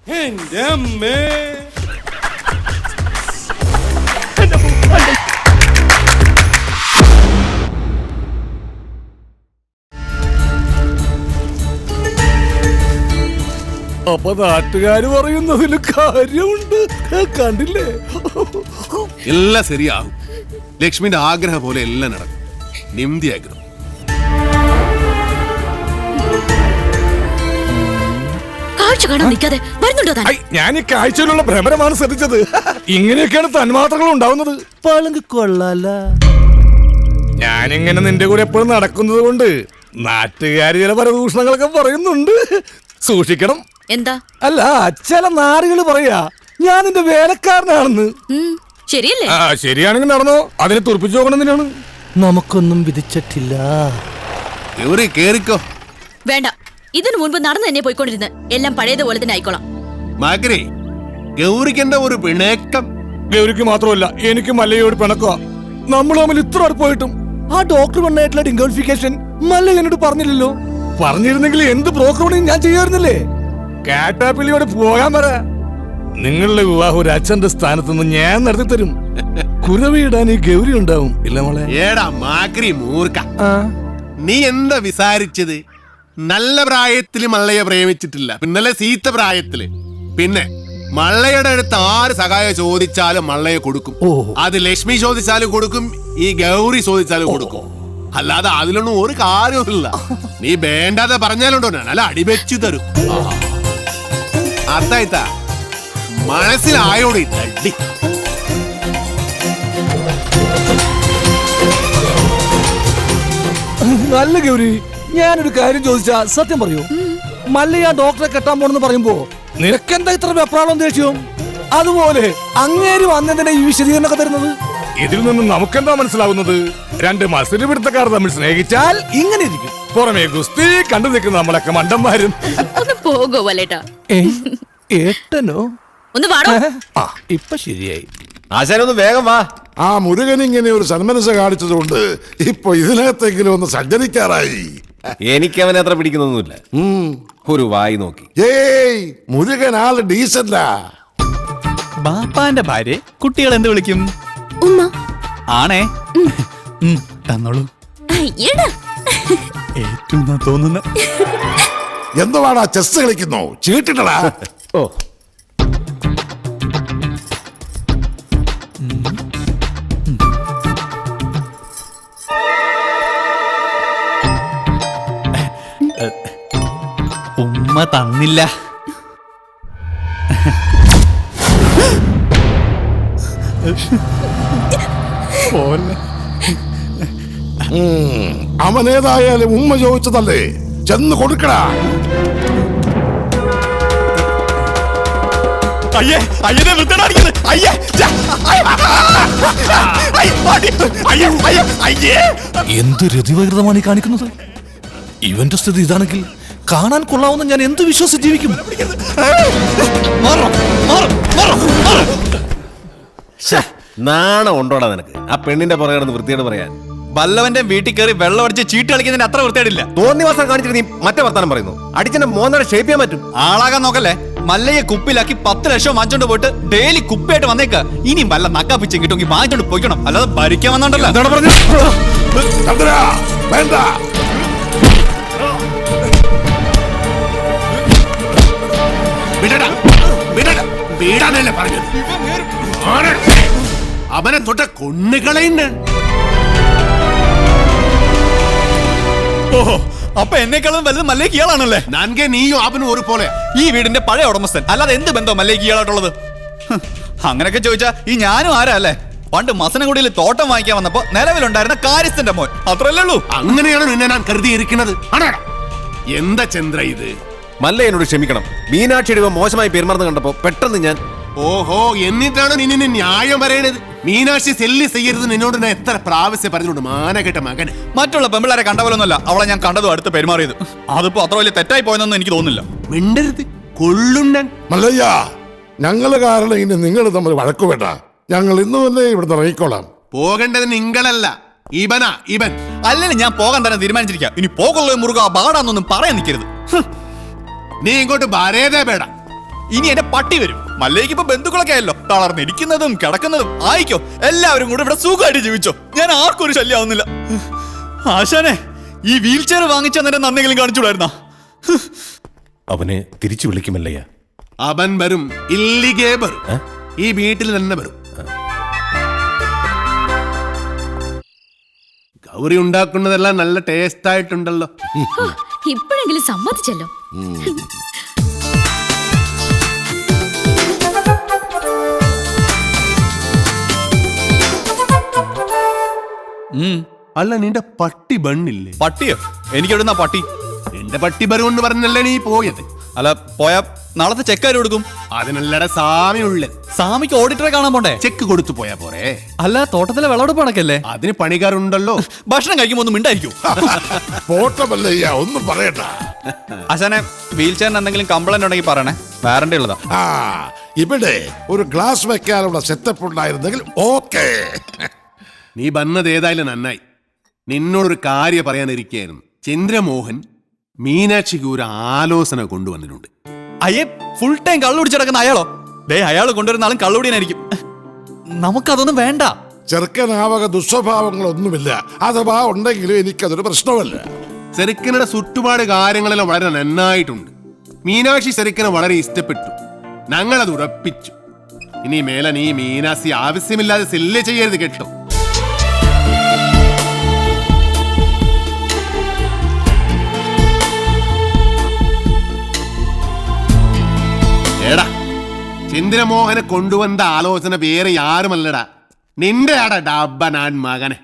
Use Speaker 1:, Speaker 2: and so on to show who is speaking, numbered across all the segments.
Speaker 1: എന്റെ അമ്മേ.
Speaker 2: അപ്പൊ നാട്ടുകാര് പറയുന്നതിൽ കാര്യമുണ്ട്. കണ്ടില്ലേ?
Speaker 3: എല്ലാം ശരിയാകും. ലക്ഷ്മിന്റെ ആഗ്രഹം പോലെ എല്ലാം നടക്കും. നിംതി ആഗ്രഹം.
Speaker 2: ഞാൻ ഈ കാഴ്ചയിലുള്ള ഭ്രമരമാണ് ശ്രദ്ധിച്ചത്. ഇങ്ങനെയൊക്കെയാണ് തന്മാത്രകൾ ഉണ്ടാവുന്നത്. പളുങ്ക് കൊള്ളാല. ഞാനിങ്ങനെ നിന്റെ കൂടെ എപ്പോഴും നടക്കുന്നത് കൊണ്ട് നാട്ടുകാര് ചില പരദൂഷണങ്ങളൊക്കെ പറയുന്നുണ്ട്. സൂക്ഷിക്കണം.
Speaker 4: എന്താ?
Speaker 2: അല്ല, ചില നാടുകൾ പറയാ ഞാൻ നിന്റെ വേലക്കാരനാണെന്ന്.
Speaker 4: ശരിയല്ലേ?
Speaker 2: ശരിയാണെങ്കിൽ നടന്നോ. അതിനെ തുറപ്പിച്ചു നോക്കണമെന്നാണ്. നമുക്കൊന്നും വിധിച്ചിട്ടില്ല.
Speaker 3: കേറിക്കോ.
Speaker 4: വേണ്ട, ഇതിനു മുൻപ് നടന്നു തന്നെ പോയിക്കൊണ്ടിരുന്ന് എല്ലാം പഴയതുപോലെ തന്നെ ആയിക്കോളാം.
Speaker 3: മാക്രി, ഗൗരിക്കെന്താ ഒരു പിണക്കം?
Speaker 2: ഗൗരിക്ക് മാത്രമല്ല, എനിക്ക് മല്ലയോട് പിണക്കുക. നമ്മൾ തമ്മിൽ ഇത്ര അടുപ്പായിട്ടും ആ ഡോക്ടർ പെണ്ണായിട്ടുള്ള ഡിംഗോളിഫിക്കേഷൻ മല്ല എന്നോട് പറഞ്ഞില്ലല്ലോ. പറഞ്ഞിരുന്നെങ്കിൽ എന്ത് ബ്രോക്കർ പണിയും ഞാൻ ചെയ്യാറുന്നില്ലേ? കാറ്റാപ്പിള്ളിയോട് പോകാൻ പറ. നിങ്ങളുടെ വിവാഹം ഒരു അച്ഛന്റെ സ്ഥാനത്ത് നിന്ന് ഞാൻ നടത്തി തരും. കുരവിടാൻ ഈ ഗൗരി ഉണ്ടാവും. ഇല്ല മോളെ?
Speaker 3: ഏടാ മാക്രി മൂർഖ, നീ എന്താ വിസാരിച്ചത്? നല്ല പ്രായത്തില് മള്ളയെ പ്രേമിച്ചിട്ടില്ല, പിന്നല്ലേ സീത്ത പ്രായത്തില്. പിന്നെ മള്ളയുടെ അടുത്ത് ആര് സഹായം ചോദിച്ചാലും മള്ളയെ കൊടുക്കും. അത് ലക്ഷ്മി ചോദിച്ചാലും കൊടുക്കും, ഈ ഗൗരി ചോദിച്ചാലും കൊടുക്കും. അല്ലാതെ അതിലൊന്നും ഒരു കാര്യമില്ല. നീ വേണ്ടാതെ പറഞ്ഞാലുണ്ടോ നല്ല അടിവെച്ചു തരും. അതായിത്താ മനസ്സിലായോടി തട്ടി.
Speaker 2: നല്ല ഗൗരി, ഞാനൊരു കാര്യം ചോദിച്ചാ സത്യം പറയൂ. മല്ലയ ഡോക്ടറെ കെട്ടാൻ പോണെന്ന് പറയുമ്പോ നിനക്കെന്താ ഇത്ര വെപ്രാളം ദേഷ്യം? അതുപോലെ അങ്ങേര് വന്നതിന്റെ ഈ വിശദീകരണമൊക്കെ തരുന്നത് ഇതിൽ നിന്നും നമുക്കെന്താ മനസ്സിലാവുന്നത്? രണ്ട് മത്സരപിടുത്തക്കാർ തമ്മിൽ സ്നേഹിച്ചാൽ ഇങ്ങനെ ഇരിക്കും. പുറമേ ഗുസ്തി കണ്ടു നിൽക്കുന്ന നമ്മളൊക്കെ മണ്ടന്മാരും. ഏട്ടനോ?
Speaker 4: ഒന്ന് വാടോ.
Speaker 2: ഇപ്പൊ ശരിയായി.
Speaker 5: ആശാനൊന്ന് വേഗം വാ.
Speaker 6: ആ മുരുകൻ ഇങ്ങനെ ഒരു സന്മനസ് കാണിച്ചതുകൊണ്ട് ഇപ്പൊ ഇതിനകത്തെങ്കിലും ഒന്ന് സഞ്ചരിക്കാറായി.
Speaker 5: എനിക്ക് അവനെ അത്ര പിടിക്കുന്നൊന്നുമില്ല. ഒരു വായി നോക്കി.
Speaker 6: ഏയ്, മുരുകൻ ആള് ഡീസന്റാ.
Speaker 7: ബാപ്പാന്റെ ഭാര്യ കുട്ടികൾ എന്ത് വിളിക്കും?
Speaker 4: ഉമ്മ.
Speaker 7: ആണേ, തന്നോളൂ. ഏറ്റവും തോന്നുന്ന
Speaker 6: എന്തുവാടാ ചെസ് കളിക്കുന്നോ? ചീട്ടിട്ടടാ.
Speaker 5: ഓ,
Speaker 7: ഉമ്മ തന്നില്ല.
Speaker 6: അവനേതായാലും ഉമ്മ ചോദിച്ചതല്ലേ, ചെന്ന് കൊടുക്കടാ.
Speaker 7: അയ്യേ, അയ്യനെ വൃത്തിയാടിക്കുന്നത്. അയ്യേ,
Speaker 2: എന്ത് രതിവകൃതമാണ് ഈ കാണിക്കുന്നത്? ഇവന്റെ സ്ഥിതി ഇതാണെങ്കിൽ കാണാൻ കൊള്ളാവുന്ന ഞാൻ എന്ത് വിശ്വസിച്ച് ജീവിക്കും?
Speaker 5: നാണം ഉണ്ടോടാ നിനക്ക്? ആ പെണ്ണിന്റെ പുറകെ വൃത്തിയോട് പറയാൻ.
Speaker 7: വല്ലവന്റെ വീട്ടിൽ കയറി വെള്ളം അടിച്ച് ചീട്ട് കളിക്കുന്നതിന് അത്ര വൃത്തിയായിട്ടില്ല.
Speaker 5: തോന്നിവാസം കാണിച്ചിട്ട് നീ മറ്റേ വർത്താനം പറയുന്നു. അടിച്ചെന്നെ മോന്നടെ ഷേപ്പ് ചെയ്യാൻ പറ്റും.
Speaker 7: ആളാകാൻ നോക്കല്ലേ. മല്ലയെ കുപ്പിലാക്കി 10 ലക്ഷം വാങ്ങിച്ചോണ്ട് പോയിട്ട് ഡെയിലി കുപ്പിയായിട്ട് വന്നേക്ക. ഇനിയും വല്ല നക്കാപ്പിച്ചും കിട്ടുമെങ്കിൽ വാങ്ങിച്ചോണ്ട് പോയിക്കണം, അല്ലാതെ ഭരിക്കാൻ വന്നോണ്ടല്ലോ.
Speaker 6: വേണ്ട,
Speaker 3: അവനെ തൊട്ട കൊണ്ണുകളയുണ്ട്.
Speaker 7: ഓഹോ, അപ്പൊ എന്നെക്കാളും വലുത് മല്ലേക്ക് ഇയാളാണല്ലേ?
Speaker 3: നൻകെ നീയും അവനും ഒരു പോലെ.
Speaker 7: ഈ വീടിന്റെ പഴയ ഉടമസ്ഥൻ, അല്ലാതെ എന്ത് ബന്ധം മല്ലേക്ക് ഇയാളായിട്ടുള്ളത്? അങ്ങനെയൊക്കെ ചോദിച്ചാ ഈ ഞാനും ആരാ അല്ലേ? പണ്ട് മസനഗുഡിയിൽ തോട്ടം വാങ്ങിക്കാൻ വന്നപ്പോ നിലവിലുണ്ടായിരുന്ന കാര്യസ്ഥന്റെ മോൻ, അത്രല്ലേ ഉള്ളൂ.
Speaker 3: അങ്ങനെയാണ് നിന്നെ ഞാൻ കരുതിയിരിക്കുന്നത്. എന്താ ചന്ദ്ര ഇത്?
Speaker 5: മല്ല എന്നോട് ക്ഷമിക്കണം. മീനാക്ഷിയുടെ മോശമായി പെരുമാറുന്ന കണ്ടപ്പോ പെട്ടെന്ന് ഞാൻ.
Speaker 3: ഓഹോ, എന്നിട്ടാണ് നിന്നെ ന്യായം പറയണത്? മീനാക്ഷി സെല്ലി ചെയ്യരുത് നിന്നോട് ഞാൻ എത്ര പ്രാവശ്യം പറഞ്ഞോണ്ട് മാനകെട്ട മകന്.
Speaker 7: മറ്റുള്ള പെമ്പിളാരെ കണ്ട പോലൊന്നുമല്ല അവളെ ഞാൻ കണ്ടതും അടുത്ത് പെരുമാറിയത്. അതിപ്പോ അത്ര വലിയ തെറ്റായി പോയെന്നൊന്നും എനിക്ക് തോന്നുന്നില്ല.
Speaker 3: മിണ്ടരുത്, കൊള്ളുണ്ടൻ.
Speaker 6: മല്ലയ്യ, ഞങ്ങള് കാരണം ഇനി നിങ്ങൾ തമ്മിൽ വഴക്കു വേണ്ട. ഞങ്ങൾ ഇന്ന് തന്നെ ഇവിടുന്ന് ഇറങ്ങിക്കോളാം.
Speaker 3: പോകേണ്ടത് നിങ്ങളല്ല, ഇവനാ. ഇവൻ
Speaker 7: അല്ലെങ്കിൽ ഞാൻ പോകാൻ തന്നെ തീരുമാനിച്ചിരിക്കാം. ഇനി പോകുള്ള മുറുക ബാടാന്നൊന്നും പറയാൻ നിൽക്കരുത്.
Speaker 3: നീ ഇങ്ങോട്ട് വരേതേ പേട.
Speaker 7: ഇനി എന്റെ പട്ടി വരും. മല്ലയ്ക്ക് ഇപ്പൊ ബന്ധുക്കളൊക്കെ ആയല്ലോ. തളർന്നിരിക്കുന്നതും കിടക്കുന്നതും ആയിക്കോ. എല്ലാവരും കൂടെ ഇവിടെ സുഖമായിട്ട് ജീവിച്ചോ. ഞാൻ ആർക്കും ഒരു ശല്യമാവുന്നില്ല. ആശാനെ, ഈ വീൽ ചെയർ വാങ്ങിച്ച നേരം നന്ദികളും കാണിച്ചുകൂടായിരുന്നാ?
Speaker 5: അവനെ തിരിച്ചു വിളിക്കുമല്ലയ്യ.
Speaker 3: അവൻ വരും, ഇല്ലിഗേ വരും. ഈ വീട്ടിൽ തന്നെ വരും. ഗൗരി ഉണ്ടാക്കുന്നതെല്ലാം നല്ല ടേസ്റ്റ് ആയിട്ടുണ്ടല്ലോ.
Speaker 4: ഇപ്പോഴെങ്കിലും സമ്മതിച്ചല്ലോ.
Speaker 3: അല്ല, നിന്റെ പട്ടി ബണ്ണില്ലേ?
Speaker 7: പട്ടിയോ? എനിക്ക് എവിടുന്നാ പട്ടി?
Speaker 3: നിന്റെ പട്ടി ബരുമെന്ന് പറഞ്ഞല്ലേ നീ പോയത്?
Speaker 7: അല്ല, പോയാ നാളത്തെ ചെക്കാര് കൊടുക്കും.
Speaker 3: അതിനല്ലട സാമി ഉള്ളത്.
Speaker 7: സാമിക്ക് ഓഡിറ്ററെ കാണാൻ പോണ്ടേ?
Speaker 3: ചെക്ക് കൊടുത്തു പോയാ പോരെ?
Speaker 7: അല്ല, തോട്ടത്തിലെ വിളവെടുപ്പ് കണക്കല്ലേ?
Speaker 3: അതിന് പണിക്കാരുണ്ടല്ലോ.
Speaker 7: ഭക്ഷണം കഴിക്കുമ്പോ ഒന്നും മിണ്ടായിരിക്കും.
Speaker 6: പോട്ടമല്ലയ്യ, ഒന്നും പറയണ്ട.
Speaker 7: ആശാനെ, വീൽ ചെയറിന് എന്തെങ്കിലും കംപ്ലൈന്റ് ഉണ്ടെങ്കിൽ പറയണേ, വാറണ്ടി ഉള്ളതാ.
Speaker 6: ആ, ഇവിടെ ഒരു ഗ്ലാസ് വെക്കാനുള്ള സെറ്റപ്പ് ഉണ്ടായിരുന്നെങ്കിൽ ഓക്കേ.
Speaker 3: നീ വന്നത് ഏതായാലും നന്നായി. നിന്നോടൊരു കാര്യം പറയാനിരിക്കുകയായിരുന്നു. ചന്ദ്രമോഹൻ മീനാക്ഷിക്ക് ഒരു ആലോചന കൊണ്ടുവന്നിട്ടുണ്ട്.
Speaker 7: അയ്യേ, ഫുൾ ടൈം കള്ളു കുടിച്ചിടക്കുന്ന അയാളോ? ദേ, അയാൾ കൊണ്ടുവരുന്ന ആളും കള്ളുടിയനായിരിക്കും. നമുക്കതൊന്നും വേണ്ട.
Speaker 6: ചെറുക്കനാവക ദുസ്വഭാവങ്ങളൊന്നുമില്ല. അഥവാ ഉണ്ടെങ്കിലും എനിക്കതൊരു പ്രശ്നമല്ല.
Speaker 3: ചെറുക്കനുടെ ചുറ്റുപാട് കാര്യങ്ങളെല്ലാം വളരെ നന്നായിട്ടുണ്ട്. മീനാക്ഷി ചെറുക്കനെ വളരെ ഇഷ്ടപ്പെട്ടു. ഞങ്ങളത് ഉറപ്പിച്ചു. ഇനി മേലെ നീ മീനാക്ഷി ആവശ്യമില്ലാതെ സെല്ല് ചെയ്യരുത്, കേട്ടോ? എടാ, ചന്ദ്രമോഹനെ കൊണ്ടുവന്ന ആലോചന വേറെ ആരുമല്ലടാ, നിന്റെ ആടാ ഡബ്ബ ഞാൻ മകനെ.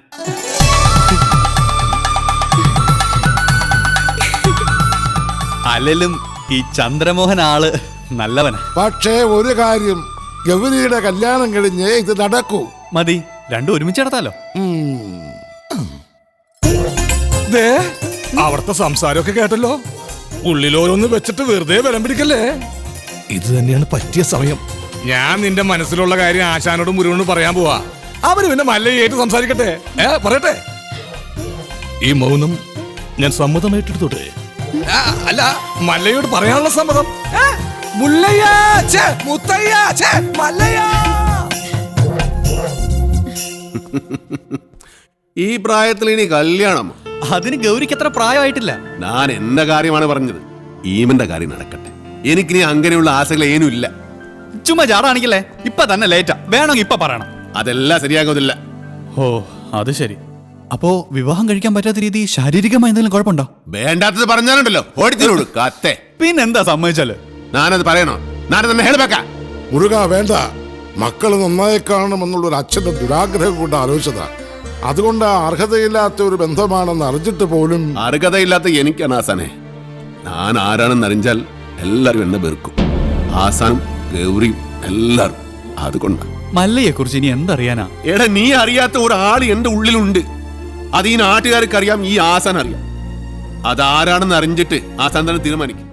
Speaker 7: അല്ലെങ്കിലും ഈ ചന്ദ്രമോഹൻ ആള് നല്ലവനാ.
Speaker 6: പക്ഷേ ഒരു കാര്യം, ഗൗരിയുടെ കല്യാണം കഴിഞ്ഞേ ഇത് നടക്കൂ.
Speaker 7: മതി, രണ്ടും ഒരുമിച്ച് നടത്താലോ.
Speaker 2: ദേ, അവിടുത്തെ സംസാരമൊക്കെ കേട്ടല്ലോ. ഉള്ളിലോരോന്ന് വെച്ചിട്ട് വെറുതെ ബലം പിടിക്കല്ലേ. ഇത് തന്നെയാണ് പറ്റിയ സമയം. ഞാൻ നിന്റെ മനസ്സിലുള്ള കാര്യം ആശാനോടും മുരുകനോടും പറയാൻ പോവാ. അവര് പിന്നെ മല്ലയായിട്ട് സംസാരിക്കട്ടെ. പറയട്ടെ. ഈ മൗനം ഞാൻ സമ്മതമായിട്ടെടുത്തോട്ടെ. അല്ല, മല്ലയോട് പറയാനുള്ള സമ്മതം. മുല്ലയ്യ, ഛേ, മുത്തയ്യ, ഛേ, മല്ലയ്യ.
Speaker 3: ഈ പ്രായത്തിൽ ഇനി കല്യാണം?
Speaker 7: അതിന് ഗൗരിക്ക് അത്ര പ്രായമായിട്ടില്ല.
Speaker 3: ഞാൻ എന്റെ കാര്യമാണ് പറഞ്ഞത്. ഈമന്റെ കാര്യം നടക്കട്ടെ. എനിക്കിനി അങ്ങനെയുള്ള ആശകൾ ഏനും ഇല്ല.
Speaker 7: ചുമ്മാ ചാടാണിക്കല്ലേ. ഇപ്പൊ തന്നെ ലേറ്റാ. വേണമെങ്കിൽ ഇപ്പൊ പറയണം.
Speaker 3: അതെല്ലാം ശരിയാകുന്നില്ല.
Speaker 7: ഓ, അത് ശരി. അപ്പോ വിവാഹം കഴിക്കാൻ പറ്റാത്ത രീതി ശാരീരികമായി എന്തെങ്കിലും കുഴപ്പമുണ്ടോ?
Speaker 3: വേണ്ടാത്തത് പറഞ്ഞാലുണ്ടല്ലോ ഓടിത്തിനോട് കത്തെ.
Speaker 7: പിന്നെന്താ സമ്മതിച്ചാല്?
Speaker 3: ഞാനത് പറയണോ? ഞാനത് തന്നെ ഹേൾബക്ക.
Speaker 6: മുരുക, വേണ്ട. മക്കള് നന്നായി കാണണമെന്നുള്ള ഒരു അച്ഛന്റെ ദുരാഗ്രഹം കൊണ്ട് ആലോചിച്ചതാ. അതുകൊണ്ട് അർഹതയില്ലാത്ത ഒരു ബന്ധമാണെന്ന് അറിഞ്ഞിട്ട് പോലും.
Speaker 3: അർഹതയില്ലാത്ത എനിക്കാണ് ആസാനെ. ഞാൻ ആരാണെന്ന് അറിഞ്ഞാൽ എല്ലാരും എന്നെ വെറുക്കും. ആസാനും ഗൗരിയും എല്ലാരും. അതുകൊണ്ടാ.
Speaker 7: മല്ലയെ കുറിച്ച് ഇനി എന്തറിയാനാ?
Speaker 3: എടാ, നീ അറിയാത്ത ഒരാൾ എന്റെ ഉള്ളിലുണ്ട്. അത് ഈ നാട്ടുകാർക്ക് അറിയാം, ഈ ആസാൻ അറിയാം. അതാരാണെന്ന് അറിഞ്ഞിട്ട് ആസാൻ തന്നെ തീരുമാനിക്കും.